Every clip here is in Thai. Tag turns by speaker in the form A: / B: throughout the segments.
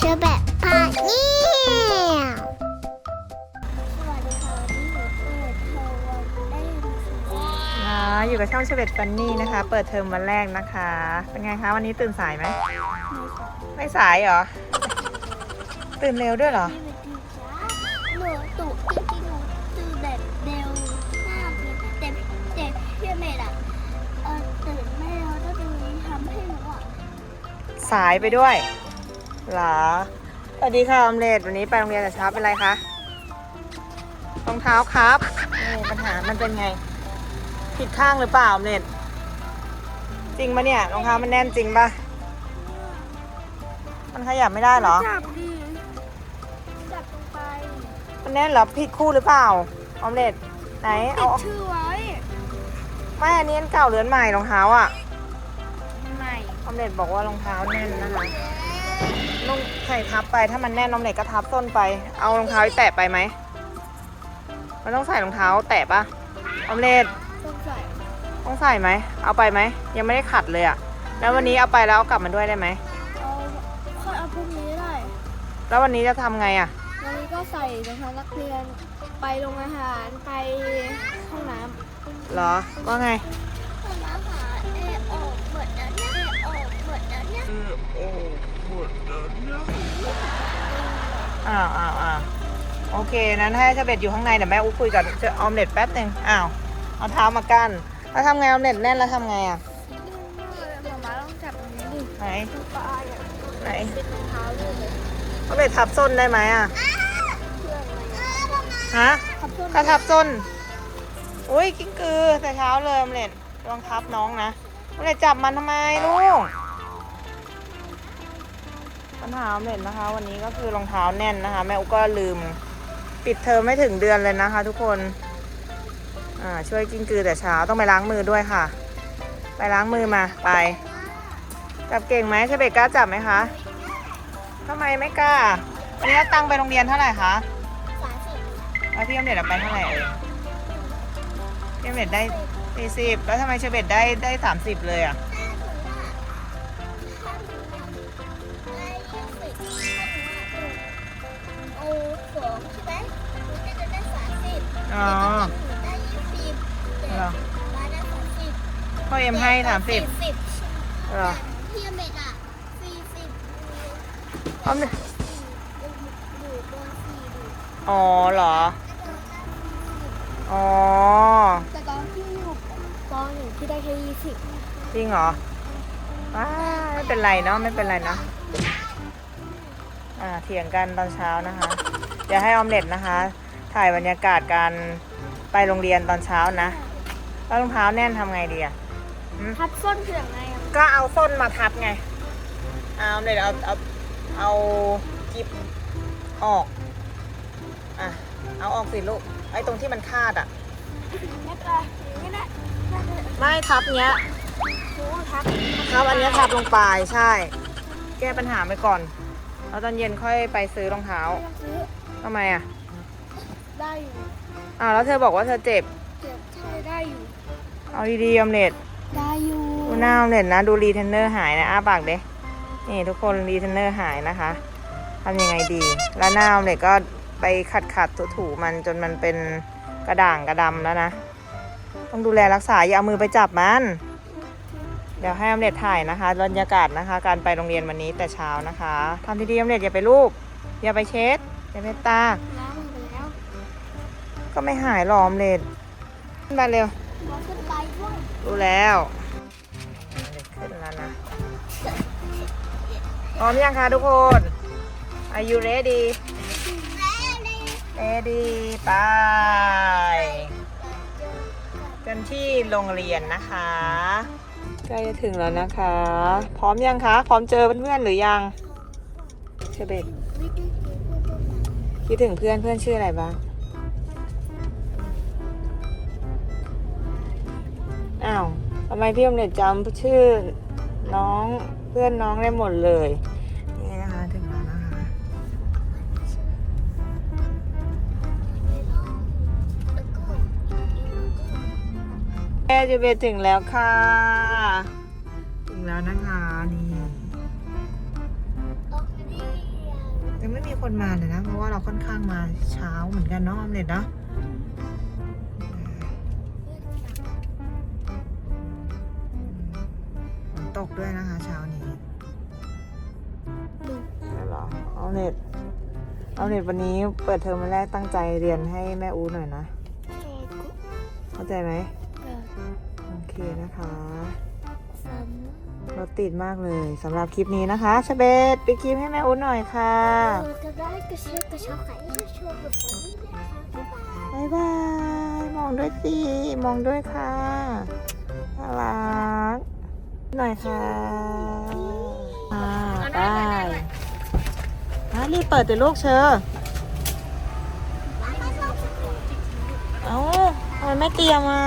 A: อแบบพาเนี่ยสวัสดีค่ะวันนี้หนูเปิดเทอมวันได้ยินเสียง
B: อยู่กับช่องเชเบตฟันนี่นะคะ เปิดเทอมวันแรกนะคะ เป็นไงคะวันนี้ตื่นสายไหมไม่สายเหรอ ตื่นเร็วด้วยเหรอ
A: ที่เป็นทีช้าหนูตุจริงๆหนูตื่นแบบเร็วมากเลยแต่พี่เมย์อะตื่นไม่เร็วก็จะมีทำให้หนูอะ
B: สายไปด้วยเหรอสวัสดีค่ะออมเล็ตวันนี้ไปโรงเรียนแต่เช้าเป็นไรคะรองเท้าครับนี่ปัญหามันเป็นไง ผิดข้างหรือเปล่าออมเล็ตจริงปะเนี่ยรองเท้ามันแน่นจริงปะมันขยับไม่ได้เหรอ
A: จับดิจับลงไป
B: มันแน่นเหรอผิดคู่หรือเปล่าออมเล็ตไหน
A: ติ
B: เอา
A: ดชื่อไว้
B: ไม่อันนี้อันเก่าหรืออันใหม่รองเท้าอ่ะ
A: ใหม่
B: ออมเล็ตบอกว่ารองเท้าแน่นนะคะนุ่งใส่ทับไปถ้ามันแน่นออมเล็ตก็ทับส้นไปเอารองเท้าแตะไปไหมมันต้องใส่รองเท้าแตะปะออมเล็ต
A: ต้องใส่
B: ต้องใส่ไหมเอาไปไหมยังไม่ได้ขัดเลยอะแล้ววันนี้เอาไปแล้วเอากลับมาด้วยได้ไหม
A: เอาค่อยเอาพรุ่งนี้ได้
B: แล้ววันนี้จะทำไงอะ
A: วันนี้ก็ใส่รองเท้านักเรียนไปโรงอาหารไปห้องน้ำ
B: เหรอว่าไง
A: ห้องน้ำหาออกหมดแล้วเนี่ยออกหมดแล้วเนี่ย
B: อ้าวโอเคนั้นให้เชเบตอยู่ข้างในเดี๋ยวแม่อุ๊คุยกับออมเล็ตแป๊บหนึ่งอ้าวเอาเท้ามากั้นแล้วทำไงออมเล็ตแน่นแล้วทำไงอะ
A: หมาต้องจับตรงนี้ดิ
B: ไหน
A: ปลาอย่าง
B: ไหน
A: เป็นรองเท้าเลย
B: ออมเล็ตทับส้นได้ไหมอะ
A: เพื่อนอะไรเงี้ย
B: ฮะ
A: ขับเพื่อน
B: ถ้าทับส้นอุ้ยกิ้งกือแต่เช้าเลยออมเล็ตระวังทับน้องนะออมเล็ตจับมันทำไมลูกปัญหาออมเล็ตนะคะ วันนี้ก็คือรองเท้าแน่นนะคะ แม่อุ๊ก็ลืมปิดเทอมไม่ถึงเดือนเลยนะคะ ทุกคนช่วยกิ้งกือแต่เช้าต้องไปล้างมือด้วยค่ะ ไปล้างมือมาไปจับเก่งไหมเชเบตกล้าจับไหมคะทำไมไม่กล้าวันนี้เอาตังค์ไปโรงเรียนเท่าไหร่คะ
A: 30
B: แล้วพี่ออมเล็ตเอาไปเท่าไหร่เอ่ยพี่ออมเล็ตได้40แล้วทำไมเชเบตได้30เลยอ่ะ
A: เอาของใช่ไหมหนูจะได้30
B: อ๋อ
A: ได้20แต่
B: เหรอ
A: บ้านได้30
B: พ่อเอ็มให้30เหรอ
A: พี่เมดอ่ะ40
B: ออมเล็ต
A: ดูป .4 ดู
B: อ๋อเหรออ๋อ
A: แต่ตอนที่อยู่ป .1 ที่ได้แค่20
B: จริงเหรอว้าไม่เป็นไรเนาะไม่เป็นไรเนาะเถียงกันตอนเช้านะคะ เดี๋ยวให้ออมเล็ตนะคะ ถ่ายบรรยากาศการไปโรงเรียนตอนเช้านะแล้วรองเท้าแน่นทำไงดีอะ
A: ทับส้นคือยังไงอ่ะ
B: ก็เอาส้นมาทับไงเอาเลยเอากิ๊บออกเอาออกสิลูกไอ้ตรงที่มันคาดอะ
A: ไม่เป็นไรอย่างนี้นะ
B: ไม่ทับเนี้ย
A: หนูทับ
B: ทับอันเนี้ยทับลงไปใช่ แก้ปัญหาไปก่อนแล้วตอนเย็นค่อยไปซื้อรองเท้า
A: ซื้อ
B: ทำไมอะ
A: ได้อยู่
B: แล้วเธอบอกว่าเธอเจ็บ
A: เจ็บใช่ได้อยู่
B: เอาดีๆออมเล็ต
A: ได้อยู่
B: ดูหน้าออมเล็ตนะดูรีเทนเนอร์หายนะอ้าปากเด้นี่ทุกคนรีเทนเนอร์หายนะคะทำยังไงดี แล้วหน้าออมเล็ตก็ไปขัดถูๆมันจนมันเป็นกระด่างกระดำแล้วนะต้องดูแลรักษาอย่าเอามือไปจับมันเดี๋ยวให้ออมเล็ตถ่ายนะคะบรรยากาศนะคะ การไปโรงเรียนวันนี้แต่เช้านะคะทำดีๆออมเล็ตอย่าไปลูบอย่าไปเช็ดอย่าไปตา
A: ล้างมือไปแล้ว
B: ก็ไม่หายหรอกออมเล็ตขึ้นมาเร็ว
A: เราขึ้นไปด้วย
B: รู้แล้วขึ้นแล้วนะพร้อมยังคะทุกคน Are you ready ready ไปกันที่โรงเรียนนะคะใกล้จะถึงแล้วนะคะ พร้อมยังคะ พร้อมเจอเพื่อนๆหรือยังเชเบตคิดถึงเพื่อนชื่ออะไรบ้างอ้าวทำไมพี่อมเล็ตจำชื่อน้องเพื่อนน้องได้หมดเลยนี่นะคะถึงแล้วนะคะแม่จะไปถึงแล้วค่ะถึงแล้วนะคะนี่
A: ตรงนี้
B: ยังไม่มีคนมาเลยนะ เพราะว่าเราค่อนข้างมาเช้าเหมือนกันเนาะออมเล็ตเนาะฝนตกด้วยนะคะเช้านี้เหรอออมเล็ตวันนี้เปิดเทอมวันแรกตั้งใจเรียนให้แม่อูหน่อยนะ เข้าใจไหมโอเคนะคะรถติดมากเลยสำหรับคลิปนี้นะคะชเบตปิดคลิปให้แม่อูหน่อยค่ะ
A: จะได้กระเชือกกระชากไข่ให้ชมแบบนี้นะคะบ๊ายบาย
B: บ๊ายบาย มองด้วยสิ มองด้วยค่ะ น่ารัก หน่อยค่ะไปรีบเปิดแต่ลูกเชอเอ้าทำไมไม่เตรียมอ่ะ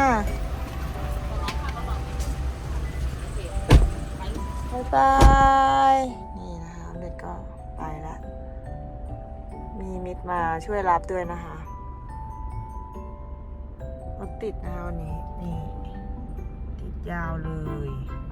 B: บ๊ายบาย นี่นะคะเด็กก็ไปแล้ว มีมิตรมาช่วยรับด้วยนะคะ รถติดนะคะวันนี้ นี่ ติดยาวเลย